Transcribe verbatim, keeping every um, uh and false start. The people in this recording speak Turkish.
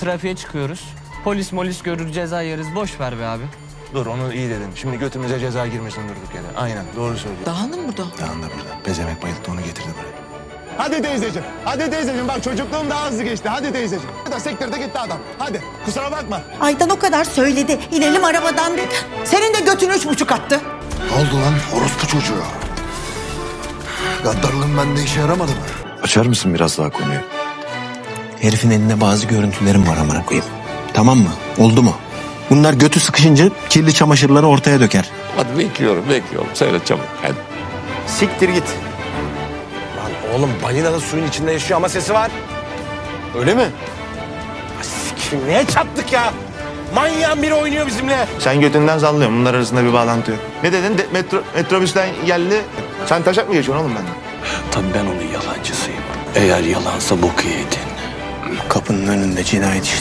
Trafiğe çıkıyoruz. Polis molis görür, ceza yeriz. Boş ver be abi. Dur onu iyi dedin. Şimdi götümüze ceza girmesin durduk yere. Aynen doğru söylüyorsun. Dağılın burada. Dağın da burada. Pezemek bayılttı onu getirdi buraya. Hadi teyzeciğim. Hadi teyzeciğim. Bak çocukluğum daha hızlı geçti. Hadi teyzeciğim. Da sektirde gitti adam. Hadi. Kusura bakma. Aydan o kadar söyledi. İnelim arabadan dedi. Senin de götün üç buçuk attı. Ne oldu lan orospu çocuğu? Gaddarlığın bende işe yaramadı mı? Açar mısın biraz daha konuyu? Herifin elinde bazı görüntülerim var amına koyayım. Tamam mı? Oldu mu? Bunlar götü sıkışınca kirli çamaşırları ortaya döker. Hadi bekliyorum, bekliyorum. Söyle çabuk. Hadi. Siktir git. Lan oğlum balina da suyun içinde yaşıyor ama sesi var. Öyle mi? Sikim neye çattık ya? Manyağın biri oynuyor bizimle. Sen götünden sallıyorsun. Bunlar arasında bir bağlantı yok. Ne dedin? De, metro, metrobüsten geldi. Sen taşak mı geçiyorsun oğlum benden? Tabii ben onun yalancısıyım. Eğer yalansa boku yedin. Kapının önünde cinayet işlemi